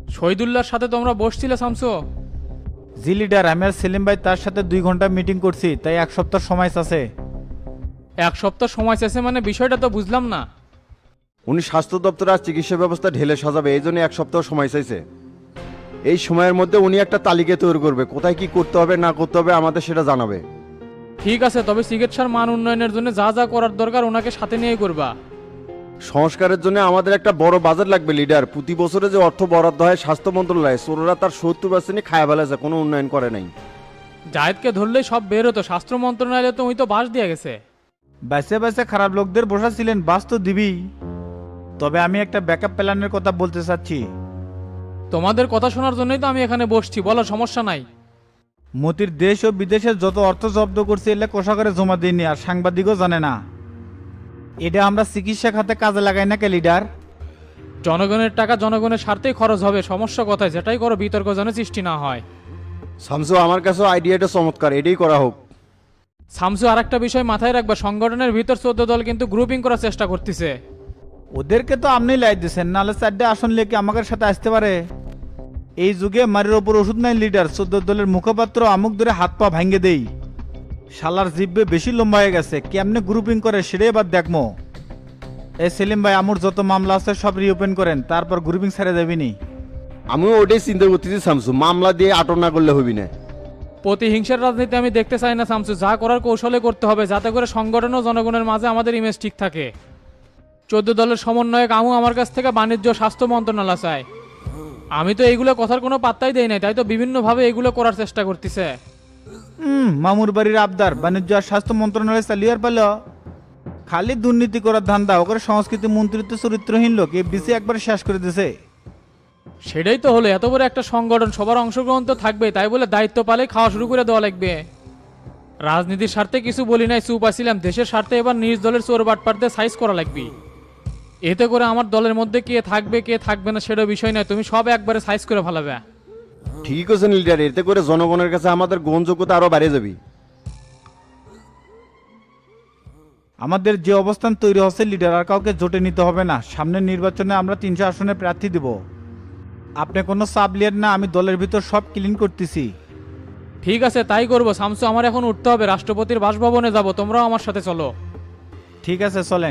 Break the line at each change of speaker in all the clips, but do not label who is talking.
শহীদুল্লাহর সাথে তোমরা বসছিলে শামসু?
জি লিডার, আমি আর সেলিম ভাই তার সাথে 2 ঘন্টা মিটিং করছি, তাই 1 সপ্তাহ সময় আছে।
1 সপ্তাহ সময় শেষে মানে বিষয়টা তো বুঝলাম না।
উনি স্বাস্থ্য দপ্তর আর চিকিৎসা ব্যবস্থা ঢেলে সাজাবে, এই জন্য 1 সপ্তাহ সময় চাইছে। এই সময়ের মধ্যে উনি একটা তালিকা তৈরি করবে, কোথায় কি করতে হবে না করতে হবে আমাদের সেটা জানাবে।
ঠিক আছে, তবে চিকিৎসার মান উন্নয়নের জন্য যা যা করার দরকার ওনাকে সাথে নিয়ে করবা।
সংস্কারের জন্য আমাদের একটা বড় বাজেট লাগবে লিডার। প্রতি বছরে যে অর্থ বরাদ্দ হয় স্বাস্থ্য মন্ত্রণালয়ে, চোররা তার 70% খায়া ফেলেছে, কোনো উন্নয়ন করে নাই।
জায়েদকে ধরলেই সব বের হতো, স্বাস্থ্য মন্ত্রণালয়ে তো ওই তো বাস দিয়ে গেছে।
বাইসে বাইসে খারাপ লোকদের বসাছিলেন, বাস তো দিবি। তবে আমি একটা ব্যাকআপ প্ল্যানের কথা বলতে চাচ্ছি।
তোমাদের কথা শোনার জন্যই তো আমি এখানে বসছি, বলো, সমস্যা নাই।
মতির দেশ ও বিদেশের যত অর্থ জব্দ করছে এলে কোষাগারে জমা দিইনি, আর সাংবাদিকও জানে না। এটা আমরা চিকিৎসা খাতে কাজে লাগাই না কে লিডার?
জনগণের টাকা জনগণের স্বার্থেই খরচ হবে, সমস্যা কথায়, যেটাই করো বিতর্ক যেন সৃষ্টি না হয়।
শামসু, আমার কাছেও আইডিয়াটা চমৎকার, এটাই করা হোক।
শামসু, আর একটা বিষয় মাথায় রাখবা, সংগঠনের ভিতর 14 দল কিন্তু গ্রুপিং করার চেষ্টা করতেছে।
ওদেরকে তো আপনি লাই দিচ্ছেন, নাহলে 4টে আসন লেকে আমাদের সাথে আসতে পারে। এই যুগে মারির ওপর ওষুধ নাই লিডার, 14 দলের মুখপাত্র আমুক ধরে হাত পা ভাঙ্গে দেই। শালার জিব্বে বেশি লম্বা হয়ে গেছে, কেমনে গ্রুপিং করে সেটাই এবার দেখমো। এই সেলিম ভাই, আমুর যত মামলা আছে সব রিওপেন করেন, তারপর গ্রুপিং ছেড়ে যাবিনি।
আমিও ওটাই চিন্তা করতেছি শামসু, মামলা দিয়ে আটক না করলে হবি না।
প্রতিহিংসার রাজনীতি আমি দেখতে চাই না শামসু, যা করার কৌশলে করতে হবে, যাতে করে সংগঠন ও জনগণের মাঝে আমাদের ইমেজ ঠিক থাকে। 14 দলের সমন্বয়ক আমু আমার কাছ থেকে বাণিজ্য ও স্বাস্থ্য মন্ত্রণালয় চায়। আমি তো এইগুলো কথার কোনো পাত্তাই দেই নাই, তাই তো বিভিন্নভাবে এগুলো করার চেষ্টা করতেছে।
মামুর বাড়ির আবদার বাণিজ্য আর স্বাস্থ্য মন্ত্রণালয় চালিয়ার পেল। খালি দুর্নীতি করার ধান্দা, ওকে সংস্কৃতি মন্ত্রিত্ব চরিত্রহীন লোক এফডিসি একবার শেষ করে দিছে।
সেটাই তো হলো, এত বড় একটা সংগঠন, সবার অংশগ্রহণ তো থাকবে, তাই বলে দায়িত্ব পালে খাওয়া শুরু করে দেওয়া লাগবে। রাজনীতির স্বার্থে কিছু বলি নাই, চুপ আছিলাম। দেশের স্বার্থে এবার নিজ দলের চোর বাটপাটদের সাইজ করা লাগবে। এতে করে আমার দলের মধ্যে কে থাকবে কে থাকবে না সেটা বিষয় নয়, তুমি সব একবারে সাইজ করে ফেলাবে।
ঠিক আছে লিডার, এতে করে জনগণের কাছে আমাদের গ্রহণযোগ্যতা আরো বেড়ে যাবে।
আমাদের যে অবস্থান তৈরি হচ্ছে লিডার, আর কাউকে জোটে নিতে হবে না। সামনের নির্বাচনে আমরা 300 আসনে প্রার্থী দেব। আপনি কোনো সাব লিয়ার না, আমি দলের ভিতর সব ক্লিন করতেছি।
ঠিক আছে, তাই করবো শামসু। আমার এখন উঠতে হবে, রাষ্ট্রপতির বাসভবনে যাব, তোমরাও আমার সাথে চলো।
ঠিক আছে, চলেন।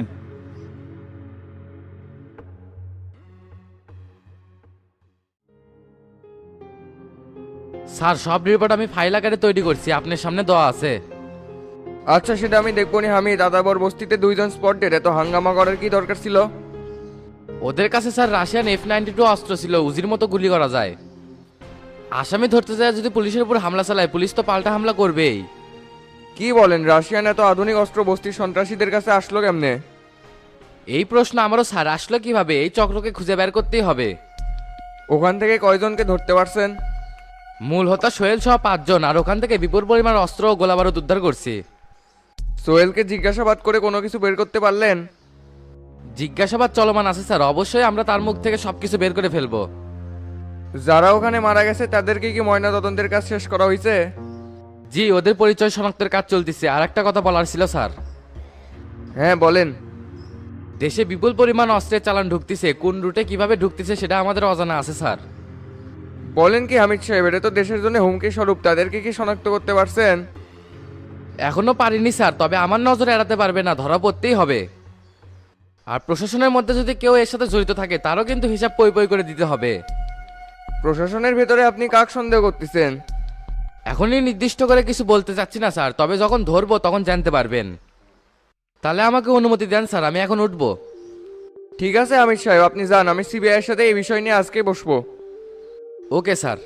স্যার, সব রিপোর্ট আমি ফাইল আকারে তৈরি করছি, আপনার সামনে দেওয়া আছে।
আচ্ছা, সেটা আমি দেখবো নি। আমি দাদাবর বস্তিতে 2 জন স্পট ডেট, এত হাঙ্গামা করার কি দরকার ছিল?
ওদের কাছে স্যার রাশিয়ান F-92 অস্ত্র ছিল, উজির মতো গুলি করা যায়। আসামি ধরতে যায় যদি পুলিশের উপর হামলা চালায়, পুলিশ তো পাল্টা হামলা করবেই।
কি বলেন, রাশিয়ান এত আধুনিক অস্ত্র বস্তির সন্ত্রাসীদের কাছে আসলো কেমনে?
এই প্রশ্ন আমারও স্যার, আসলো কিভাবে? এই চক্রকে খুঁজে বের করতেই হবে।
ওখান থেকে কয়জনকে ধরতে পারছেন?
মূল হোতা সোহেল সহ 5 জন, আর ওখান থেকে বিপুল পরিমাণ অস্ত্র ও গোলাবারুদ উদ্ধার করছি।
সোহেলকে জিজ্ঞাসাবাদ করে কোনো কিছু বের করতে পারলেন?
জিজ্ঞাসাবাদ চলমান আছে স্যার, অবশ্যই আমরা তার মুখ থেকে সবকিছু বের করে ফেলবো।
যারা ওখানে মারা গেছে তাদেরকে কি ময়না তদন্তের কাজ শেষ করা হয়েছে?
জি, ওদের পরিচয় শনাক্তের কাজ চলতেছে। আর একটা কথা বলার ছিল স্যার।
হ্যাঁ, বলেন।
দেশে বিপুল পরিমাণ অস্ত্রের চালান ঢুকতেছে, কোন রুটে কিভাবে ঢুকতেছে সেটা আমাদের অজানা আছে স্যার।
বলেন কি হামিদ সাহেব, এটা তো দেশের জন্য হুমকি স্বরূপ, তাদেরকে কি শনাক্ত করতে পারছেন?
এখনো পারিনি স্যার, তবে আমার নজরে এড়াতে পারবে না, ধরা পড়তেই হবে। আর প্রশাসনের মধ্যে যদি কেউ এর সাথে জড়িত থাকে তারও কিন্তু হিসাব পই পই করে দিতে হবে।
প্রশাসনের ভেতরে আপনি কাক সন্দেহ করতেছেন?
এখনই নির্দিষ্ট করে কিছু বলতে চাচ্ছি না স্যার, তবে যখন ধরবো তখন জানতে পারবেন। তাহলে আমাকে অনুমতি দেন স্যার, আমি এখন উঠবো।
ঠিক আছে হামিদ সাহেব, আপনি যান। আমি সিবিআই এর সাথে এই বিষয় নিয়ে আজকে বসবো।
Okay sir.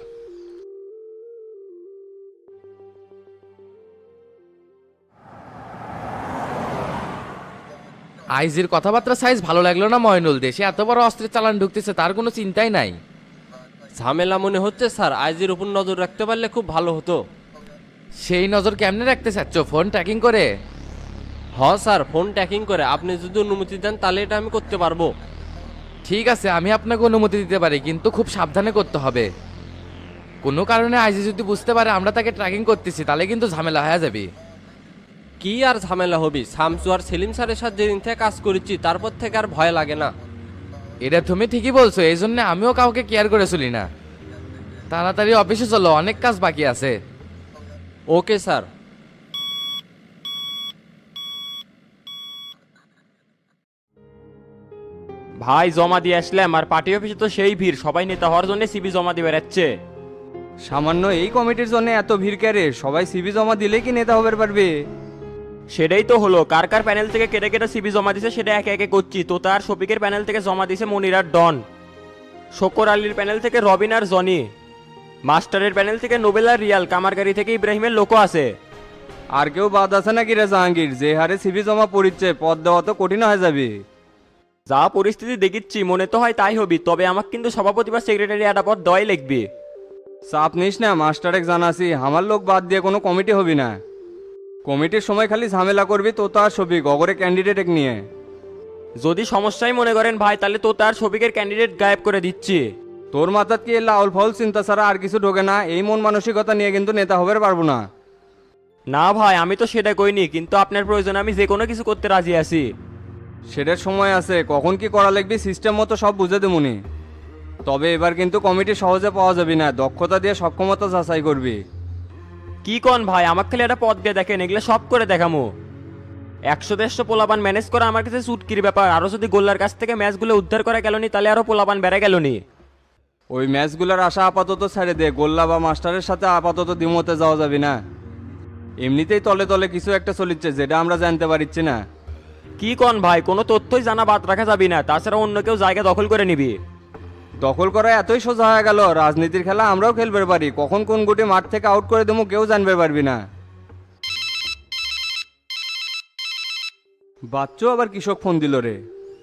আইজির কথাবার্তা সাইজ ভালো লাগলো না ময়নুল? দেশে এত বড় অস্ত্রের চালান ঢুকতেছে, তার কোনো চিন্তাই নাই।
ঝামেলা মনে হচ্ছে স্যার, আইজির উপর নজর রাখতে পারলে খুব ভালো হতো।
সেই নজর কেমনে রাখতে চাচ্ছ? ফোন ট্র্যাকিং করে?
স্যার, ফোন ট্র্যাকিং করে। আপনি যদি অনুমতি দেন তাহলে এটা আমি করতে পারবো।
ঠিক আছে, আমি আপনাকে অনুমতি দিতে পারি, কিন্তু খুব সাবধানে করতে হবে। কোনো কারণে আইজি যদি বুঝতে পারে আমরা তাকে ট্র্যাকিং করতেছি, তাহলে কিন্তু ঝামেলা হয়ে যাবে।
কি আর ঝামেলা হবি? শামসু আর সেলিম স্যারের সাথে যেদিন থেকে কাজ করেছি তারপর থেকে আর ভয় লাগে না।
এটা তুমি ঠিকই বলছো, এই জন্য আমিও কাউকে কেয়ার করে চলি না। তাড়াতাড়ি অফিসে চলো, অনেক কাজ বাকি আছে।
Okay sir. ভাই জমা দিয়ে আসলাম, আর পার্টি অফিসে তো সেই ভিড়, সবাই নেতা হওয়ার জন্য সিবি জমা দিয়ে বেড়াচ্ছে।
সামান্য এই কমিটির জন্য এত ভিড় ক্যারে? সবাই সিভি জমা দিলে কি নেতা হবার পারবে?
সেটাই তো হলো, কার কার প্যানেল থেকে কেটে কেটে সিবি জমা দিছে সেটা একে একে করছি। তো তার শফিকের প্যানেল থেকে জমা দিছে মনির আর ডন, শকর আলীর প্যানেল থেকে রবিন আর জনি, মাস্টারের প্যানেল থেকে নোবেল আর রিয়াল, কামারগাড়ি থেকে ইব্রাহিমের লোকও আছে।
আর কেউ বাদ আছে নাকি রে জাহাঙ্গীর? যে হারে সিভি জমা পড়িচ্ছে, পদ দেওয়া তো কঠিন হয়ে যাবে।
যা পরিস্থিতি দেখিচ্ছি মনে তো হয় তাই হবি, তবে আমাকে কিন্তু সভাপতি বা সেক্রেটারি একটা পদ দেওয়াই লিখবি।
চাপ নিস না, মাস্টারেক জানাসি, আমার লোক বাদ দিয়ে কোনো কমিটি হবি না। কমিটির সময় খালি ঝামেলা করবি তো তার ছবি গগরে ক্যান্ডিডেট নিয়ে।
যদি সমস্যাই মনে করেন ভাই, তাহলে তো তার শফিকের ক্যান্ডিডেট গায়েব করে দিচ্ছি।
তোর মাথাত কি লাউল ফাউল চিন্তা ছাড়া আর কিছু ঢোকে না? এই মন মানসিকতা নিয়ে কিন্তু নেতা হবার পারবো না।
না ভাই, আমি তো সেটা কইনি, কিন্তু আপনার প্রয়োজন আমি যে কোনো কিছু করতে রাজি আছি।
সেটার সময় আছে, কখন কি করা লাগবে সিস্টেম মতো সব বুঝে দেবুনি। তবে এবার কিন্তু কমিটি সহজে পাওয়া যাবে না, দক্ষতা দিয়ে সক্ষমতা যাচাই করবি।
কি কন ভাই, আমার খালি একটা পদ দিয়ে দেখেন, এগুলো সব করে দেখামো। 100-150 পোলাপান ম্যানেজ করা আমার কাছে চুটকির ব্যাপার। আরো যদি গোল্লার কাছ থেকে ম্যাচগুলো উদ্ধার করা গেল নি, তাহলে আরো পোলাপান বেড়ে গেল নি।
ওই ম্যাচগুলোর আশা আপাতত ছেড়ে দে, গোল্লা বা মাস্টারের সাথে আপাতত দ্বিমতে যাওয়া যাবে না। এমনিতেই তলে তলে কিছু একটা চলিচ্ছে যেটা আমরা জানতে পারছি না।
কি কন ভাই, কোনো তথ্যই জানা বাদ রাখা যাবে না, তাছাড়া অন্য কেউ জায়গা দখল করে নিবি।
দখল করা এতই সোজা হয়ে গেল? রাজনীতির খেলা আমরাও খেলবে পারি, কখন কোন গুটি মাঠ থেকে আউট করে দেবো কেউ জানবে পারবি না। বাচ্চু আবার কৃষক ফোন দিল রে।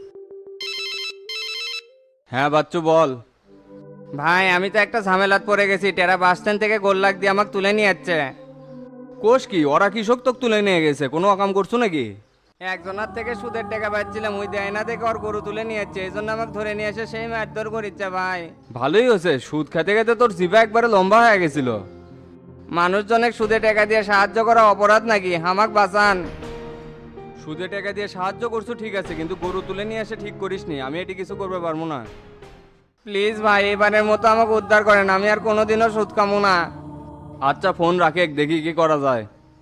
হ্যাঁ বাচ্চু বল। ভাই আমি তো একটা ঝামেলাত পড়ে গেছি, টেরা বাস স্ট্যান্ড থেকে গোল্লাক দিয়ে আমাকে তুলে নিয়ে যাচ্ছে। কোষ কি, ওরা কৃষক তোকে তুলে নিয়ে গেছে? কোনো অকাম করছো নাকি? একজনের থেকে সুদের টাকা পাচ্ছিলাম, ওই দেয় না দেখে ওর গরু তুলে নিয়ে যাচ্ছে, এই জন্য আমাকে ধরে নিয়ে এসে সেই মারধর করিচ্ছে। ভাই ভালোই হয়েছে, সুদ খেতে খেতে তোর জিভা একবারে লম্বা হয়ে গেছিল। মানুষজনের সুদে টাকা দিয়ে সাহায্য করা অপরাধ নাকি? হামাক বাঁচান। সুদে টাকা দিয়ে সাহায্য করছো ঠিক আছে, কিন্তু গরু তুলে নিয়ে এসে ঠিক করিসনি, আমি এটি কিছু করতে পারবো না। প্লিজ ভাই এবারের মতো আমাকে উদ্ধার করেন, আমি আর কোনোদিনও সুদ খামো না। আচ্ছা ফোন রাখে, দেখি কি করা যায়।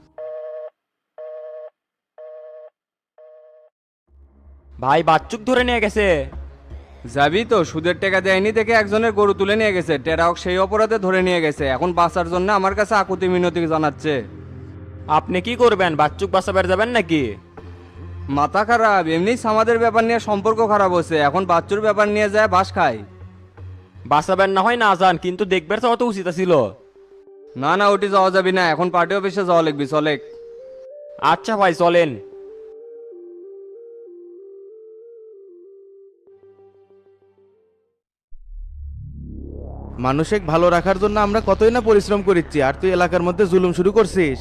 ভাই বাচ্চুক ধরে নিয়ে গেছে।
যাবি তো? সুদের টাকা দেয়নি দেখে একজনের গরু তুলে নিয়ে গেছে, টেরাও সেই অপরাধে ধরে নিয়ে গেছে, এখন বাঁচার জন্য আমার কাছে আকুতি মিনতি জানাচ্ছে।
আপনি কি করবেন, বাচ্চুক বাঁচাবার যাবেন নাকি?
মাথা খারাপ, এমনি আমাদের ব্যাপার নিয়ে সম্পর্ক খারাপ হচ্ছে, এখন বাচ্চুর ব্যাপার নিয়ে যায় বাস খায়।
বাঁচাবেন না হয় না যান, কিন্তু দেখবার তো অত উচিত ছিল।
না না ওটি যাওয়া যাবি না, এখন পার্টি অফিসে যাওয়া লাগবি, চলে।
আচ্ছা ভাই চলেন।
মানুষকে ভালো রাখার জন্য আমরা কতই না পরিশ্রম করিচ্ছি, আর তুই এলাকার মধ্যে জুলুম শুরু করছিস।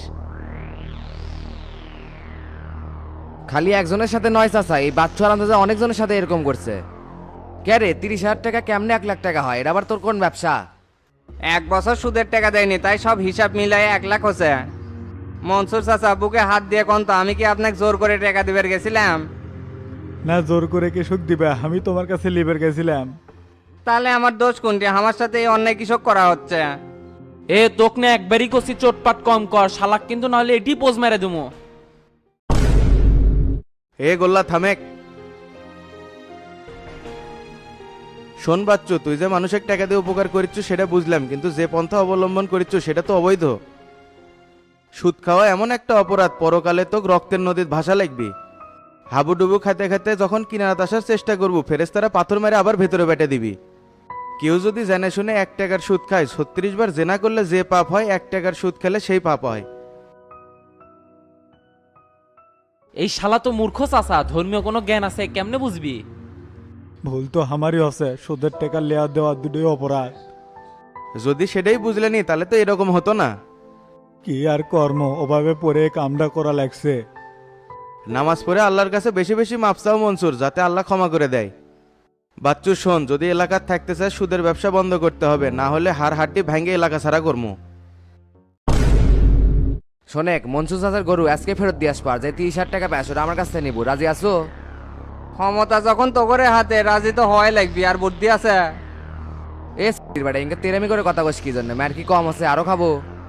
খালি একজনের সাথে নয় চাচা, এই বাচ্চু আর আন্দাজে অনেকজনের সাথে এরকম করছে। কে রে, 30,000 টাকা কেমনে 1 লাখ টাকা হয়? এটা আবার তোর কোন ব্যবসা?
1 বছর সুদের টাকা দেয়নি, তাই সব হিসাব মিলাই 1 লাখ হচ্ছে। মনসুর চাচা বুকে হাত দিয়ে কোন তো, আমি কি আপনাকে জোর করে টাকা দিবার গেছিলাম?
না জোর করে কে সুখ দিবে, আমি তোমার কাছে লিবার গেছিলাম।
তাহলে আমার দোষ কোনটি? আমার সাথে এই অন্যায় কৃষক করা হচ্ছে।
এ তোক না একবারই করছি, চোটপাট কম কর শালাক, কিন্তু নাহলে এটি পোজ মেরে দেবো।
এ গোল্লা থামেক। শোন বাচ্চু, তুই যে মানুষের টাকা দিয়ে উপকার করিচ্ছ সেটা বুঝলাম, কিন্তু যে পন্থা অবলম্বন করিচ্ছ সেটা তো অবৈধ। সুদ খাওয়া এমন একটা অপরাধ, পরকালে তো রক্তের নদীর ভাষা লাগবি। হাবুডুবু খাতে খাতে যখন কিনারাত আসার চেষ্টা করবো, ফেরেশতারা পাথর মেরে আবার ভেতরে বেটে দিবি। কেউ যদি জেনে শুনে 1 টাকার সুদ খায়, 36 বার জেনা করলে যে পাপ হয়, 1 টাকার সুদ খেলে সেই পাপ হয়।
এই শালা তো মূর্খ চাচা, ধর্মীয় কোনো জ্ঞান আছে কেমনে বুঝবি?
ভুল তো আমারই আছে, সুদের টাকা লেয়া দেওয়া দুটোই অপরাধ।
যদি সেটাই বুঝলেনি তাহলে তো এরকম হতো না।
কি আর কর্ম, ওভাবে পরে কামটা করা লাগছে।
নামাজ পড়ে আল্লাহর কাছে বেশি বেশি মাপ চাও মনসুর, যাতে আল্লাহ ক্ষমা করে দেয়। বাচ্চু শোন, যদি এলাকার থাকতে চায় সুদের ব্যবসা বন্ধ করতে হবে, না হলে হাড় হাড্ডি ভেঙে এলাকা ছাড়া করবো।
শোনেক, মনসুর চাচার গরু আজকে ফেরত দিয়ে আসবার, যে 30,000 টাকা পায় সেটা আমার কাছ থেকে নিবো, রাজি আছো?
ক্ষমতা যখন তো করে হাতে রাজি তো হওয়াই লাগবি, আর বুদ্ধি আছে?
এ বেটা ইনকে তেরামি করে কথা কস কি জন্য? ম্যার কি কম আছে? আরো খাবো?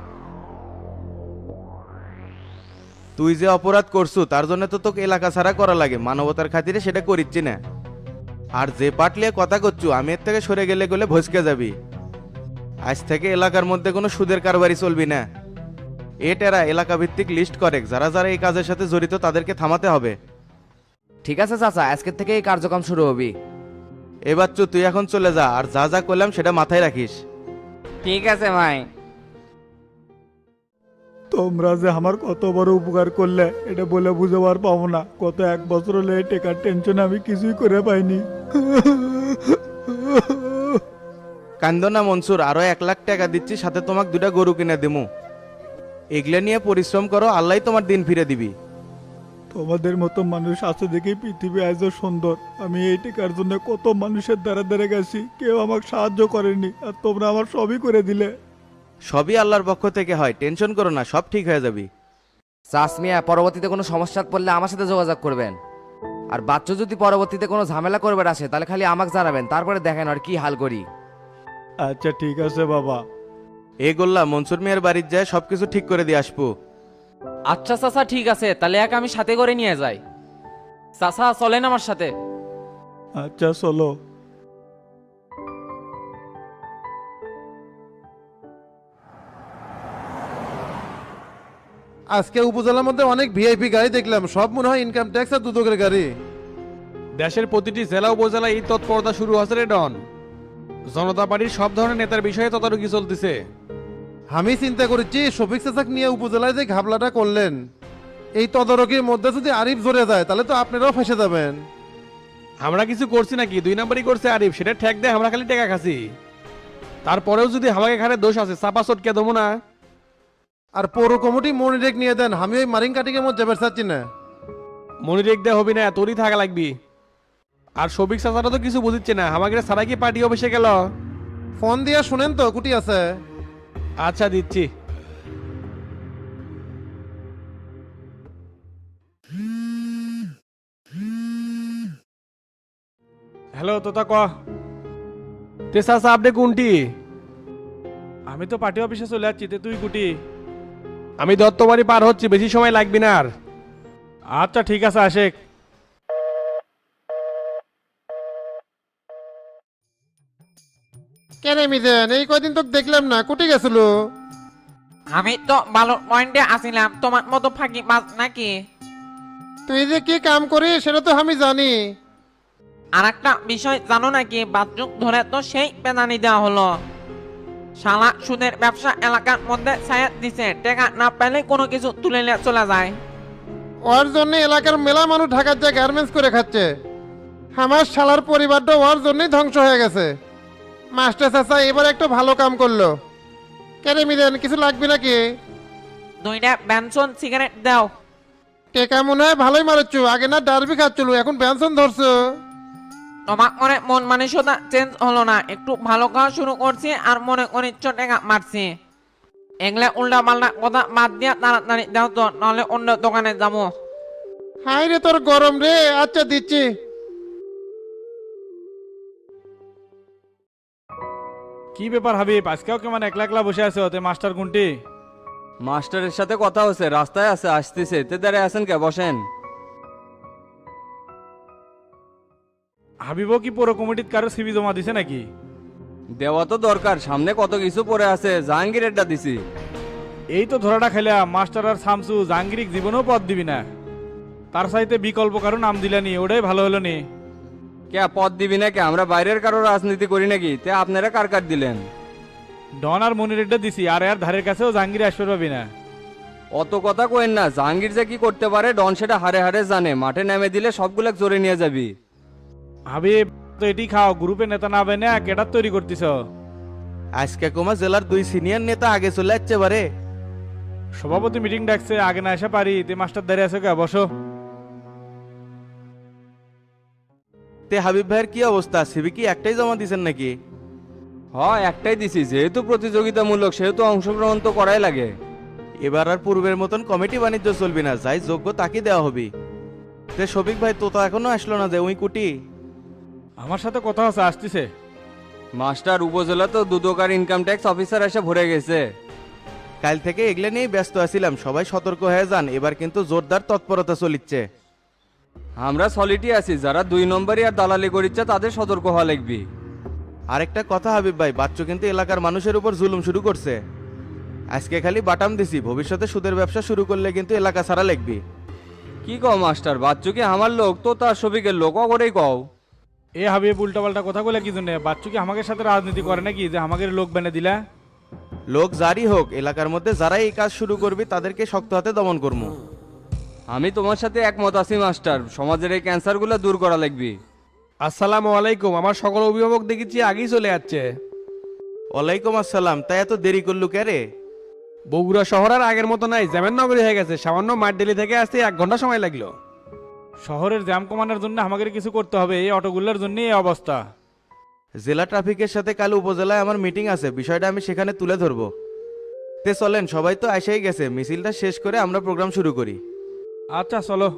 তুই যে অপরাধ করছু তার জন্য তো তোকে এলাকা ছাড়া করা লাগে, মানবতার খাতিরে সেটা করিচ্ছি না। আর যে পাটলিয়ে কথা করছু আমি এর থেকে সরে গেলে গেলে ভসকে যাবি। আজ থেকে এলাকার মধ্যে কোনো সুদের কারবারি চলবি না। এটারা এলাকা ভিত্তিক লিস্ট করে, যারা যারা এই কাজের সাথে জড়িত তাদেরকে থামাতে হবে।
ঠিক আছে চাচা, আজকের থেকে এই কার্যক্রম শুরু হবি।
এবার তুই এখন চলে যা, আর যা যা করলাম সেটা মাথায় রাখিস।
ঠিক আছে ভাই।
তোমরা যে আমার কত বড় উপকার করলে এটা বলে বুঝাবার পাবো না। গত 1 বছর হলে এই টেকার টেনশন আমি কিছুই করে পাইনি।
কান্দো না মনসুর, আরো 1 লাখ টাকা দিচ্ছি, সাথে তোমাকে 2টা গরু কিনে দেবো। এগুলা নিয়ে পরিশ্রম করো, আল্লাহ তোমার দিন ফিরে দিবি।
তোমাদের মতো মানুষ আছে দেখেই পৃথিবী আজও সুন্দর। আমি এই টেকার জন্য কত মানুষের দ্বারা দ্বারা গেছি, কেউ আমাকে সাহায্য করেনি, আর তোমরা আমার সবই করে দিলে।
সবই আল্লাহর পক্ষ থেকে হয়, টেনশন করো না, সব ঠিক হয়ে যাবি।
চাষমিয়া পরবর্তীতে কোনো সমস্যা পড়লে আমার সাথে যোগাযোগ করবেন। আর বাচ্চা যদি পরবর্তীতে কোনো ঝামেলা করবে আসে তাহলে খালি আমাকে জানাবেন, তারপরে দেখেন আর কি হাল করি।
আচ্ছা ঠিক আছে বাবা।
এই গোল্লা মনসুর মিয়ার বাড়ির যায় সবকিছু ঠিক করে দিয়ে আসবো।
আচ্ছা চাচা ঠিক আছে, তাহলে এক আমি সাথে করে নিয়ে যাই। চাচা চলেন আমার সাথে।
আচ্ছা চলো।
আজকে উপজেলার মধ্যে অনেক ভিআইপি গাড়ি দেখলাম, সব মনে হয় ইনকাম ট্যাক্স আর দুদকের গাড়ি।
দেশের প্রতিটি জেলা উপজেলায় এই তৎপরতা শুরু হচ্ছে রে ডন। জনতা পার্টির সব ধরনের নেতার বিষয়ে তদারকি চলতেছে।
আমি চিন্তা করেছি শফিক চাচাক নিয়ে উপজেলায় যে ঘাবলাটা করলেন, এই তদারকির মধ্যে যদি আরিফ জড়ে যায় তাহলে তো আপনারাও ফেসে যাবেন।
আমরা কিছু করছি নাকি? 2 নাম্বারই করছে আরিফ, সেটা ঠেক দেয় আমরা খালি টাকা খাচ্ছি। তারপরেও যদি আমাকে ঘাড়ে দোষ আছে চাপা চটকে দেবো না।
আর পৌর কমিটি মনিরেক নিয়ে দেন, আমি ওই মারিং কাটিংয়ের মধ্যে বেরসাচ্ছি না।
মনিরেক দেয়া হবি না, তোরই থাকা লাগবি। আর শফিক চাচারা তো কিছু বুঝিচ্ছে না, আমাকে সারা কি পার্টি অফিসে গেল?
ফোন দিয়া শুনেন তো কুটি আছে।
আচ্ছা দিচ্ছি। হ্যালো তোতা ক তে চাচা আপনি কোনটি?
আমি তো পার্টি অফিসে চলে যাচ্ছি, তুই কুটি?
আমি দত্তবাড়ি পার হচ্ছি, বেশি সময় লাগবে না আর।
আচ্ছা ঠিক আছে আশেক।
কেন মিদেন এই কয়দিন তো দেখলাম না, কুটি গেছিল?
আমি তো ভালো পয়েন্টে আসিলাম, তোমার মতো ফাঁকি মাছ নাকি?
তুই যে কি কাম করিস সেটা তো আমি জানি।
আর একটা বিষয় জানো নাকি? বাথরুম ধরে তো সেই পেনানি দেওয়া হলো। শালা সুদের ব্যবসা এলাকার মধ্যে ছায়া দিছে, টাকা না পেলে কোনো কিছু তুলে নিয়ে চলে যায়।
ওর জন্য এলাকার মেলা মানুষ ঢাকার যে গার্মেন্টস করে খাচ্ছে। আমার শালার পরিবারটা ওর জন্যই ধ্বংস হয়ে গেছে। মাস্টার চাচা এবার একটা ভালো কাম করলো। কেন মিদেন কিছু লাগবে নাকি?
2টা বেনসন সিগারেট দাও।
টেকা মনে হয় ভালোই মারছো, আগে না ডারবি খাচ্ছিল, এখন ব্যানসন ধরছো।
তোমার মনে মন মানসিকতা চেঞ্জ হলো না? একটু ভালো খাওয়া শুরু করছি আর মনে অনিচ্ছ টাকা মারছি। এগুলা উল্টা পাল্টা কথা বাদ দিয়া তাড়াতাড়ি দাও তো, নাহলে অন্য দোকানে যাবো।
হাই রে তোর গরম রে। আচ্ছা দিচ্ছি।
কি ব্যাপার হাবিব, আজকেও কেমন একলা একলা বসে আছে? ওতে মাস্টার কোনটি?
মাস্টারের সাথে কথা হচ্ছে, রাস্তায় আছে, আসতেছে। তে দাঁড়ায় আছেন কে? বসেন।
হাবিবও কি পৌর কমিটির কারো সিবি জমা দিছে নাকি?
দেওয়া তো দরকার, সামনে কত কিছু পড়ে আছে। জাহাঙ্গীরেরটা দিছি।
এই তো ধরাটা খেলা, মাস্টার আর শামসু জাহাঙ্গীরিক জীবনেও পদ দিবি না, তার সাইতে বিকল্প কারো নাম দিলানি, ওটাই ভালো হলো নি।
কে পদ দিবি না কে? আমরা বাইরের কারো রাজনীতি করি নাকি? তে আপনারা কার কার দিলেন?
ডন আর মনিরেডটা দিছি, আর এর ধারের কাছেও জাহাঙ্গীর আসতে পারবি না।
অত কথা কোয়েন না, জাহাঙ্গীর যে কি করতে পারে ডন সেটা হারে হারে জানে। মাঠে নেমে দিলে সবগুলো জোরে নিয়ে যাবি।
হাবিব তো এটি খাও, গ্রুপে নেতা না বেনে কেটার তৈরি করতেছ?
আজকে কুমা জেলার 2 সিনিয়র নেতা আগে চলে যাচ্ছে বারে।
সভাপতি মিটিং ডাকছে, আগে না এসে পারি। তে মাস্টার দাঁড়িয়ে আছে কে? বসো।
তে হাবিব ভাইয়ের কি অবস্থা? সিবি কি একটাই জমা দিছেন নাকি?
হ্যাঁ একটাই দিছি, যেহেতু প্রতিযোগিতামূলক সেহেতু অংশগ্রহণ তো করাই লাগে।
এবার আর পূর্বের মতন কমিটি বাণিজ্য চলবি না, যাই যোগ্য তাকে দেওয়া হবে। তে শফিক ভাই তো এখনো আসলো না যে, ওই কুটি
আমার সাথে কথা আছে, আসতেছে।
মাস্টার উপজেলা তো দুদকার ইনকাম ট্যাক্স অফিসার এসে ভরে গেছে।
কাল থেকে এগুলো নিয়েই ব্যস্ত আছিলাম, সবাই সতর্ক হয়ে যান, এবার কিন্তু জোরদার তৎপরতা চলিচ্ছে।
আমরা সলিটি আছি, যারা 2 নম্বরই আর দালালি করিচ্ছে তাদের সতর্ক হওয়া লাগবে।
আরেকটা কথা হাবিব ভাই, বাচ্চু কিন্তু এলাকার মানুষের উপর জুলুম শুরু করছে। আজকে খালি বাটাম দিছি, ভবিষ্যতে সুদের ব্যবসা শুরু করলে কিন্তু এলাকা ছাড়া লাগবে।
কি কও মাস্টার, বাচ্চু কি আমার লোক তো তার শফিকের লোক করেই কও।
এ হাবিব উল্টাপাল্টা কথা বলে কি জন্য? বাচ্চু কি আমাদের সাথে রাজনীতি করে নাকি যে আমাদের লোক বেনে দিলা?
লোক জারি হোক, এলাকার মধ্যে যারা এই কাজ শুরু করবে তাদেরকে শক্ত হাতে দমন করবো।
আমি তোমার সাথে একমত আছি মাস্টার, সমাজের এই ক্যান্সারগুলো দূর করা লাগবে।
আসসালামু আলাইকুম। আমার সকল অভিভাবক দেখেছি আগেই চলে যাচ্ছে।
ওয়ালাইকুম আসসালাম। তাই এত দেরি করলু কে রে?
বগুড়া শহর আর আগের মতো নাই, জ্যামের নগরী হয়ে গেছে। সামান্য মাঠডেলি থেকে আসতে 1 ঘন্টা সময় লাগলো।
শহরের জ্যাম কমানোর জন্য আমাদের কিছু করতে হবে, এই অটোগুলোর জন্য এই অবস্থা।
জেলা ট্রাফিকের সাথে কাল উপজেলায় আমার মিটিং আছে, বিষয়টা আমি সেখানে তুলে ধরবো। তে চলেন, সবাই তো এসেই গেছে, মিছিলটা শেষ করে আমরা প্রোগ্রাম শুরু করি।
আচ্ছা চলো।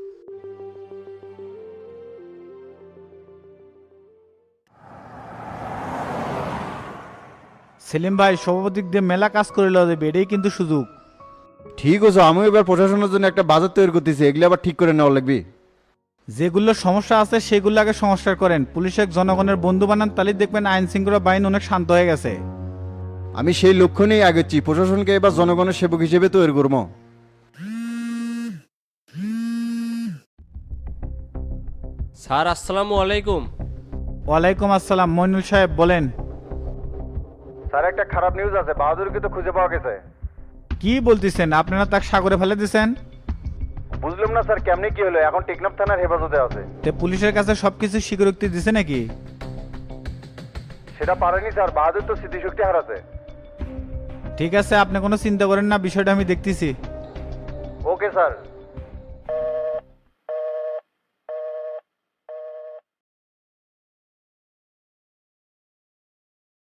সেলিম ভাই, সভাপতিক দিয়ে মেলা কাজ করে লওয়া যাবে, এটাই কিন্তু সুযোগ।
ঠিক আছে, আমিও এবার প্রশাসনের জন্য একটা বাজেট তৈরি করতেছি, এগুলো আবার ঠিক করে নেওয়া লাগবে।
যেগুলো সমস্যা আছে সেগুলো আগে সংস্কার করেন, পুলিশের জনগণের বন্ধু বানান, তাহলে দেখবেন আইন শৃঙ্খলা বাহিনী অনেক শান্ত হয়ে গেছে।
আমি সেই লক্ষ্য নিয়েই আগেছি, প্রশাসনকে এবার জনগণের সেবক হিসেবে তৈরি করবো।
স্যার আসসালামু আলাইকুম।
ওয়ালাইকুম আসসালাম। মইনুল সাহেব বলেন।
স্যার, একটা খারাপ নিউজ আছে, বাহাদুরকে তো খুঁজে পাওয়া গেছে।
কি বলতেছেন? আপনারা তাকে সাগরে ফেলে দিয়েছেন?
বুঝলাম না স্যার, কেমনি কি হলো? এখন টেকনাফ থানার হেফাজতে আছে।
তে পুলিশের কাছে সবকিছু স্বীকারোক্তি দিছে নাকি?
সেটা পারেনি স্যার, বাহাদুর তো স্মৃতিশক্তি হারাছে।
ঠিক আছে, আপনি কোনো চিন্তা করেন না, বিষয়টা আমি দেখতেছি।
Okay sir.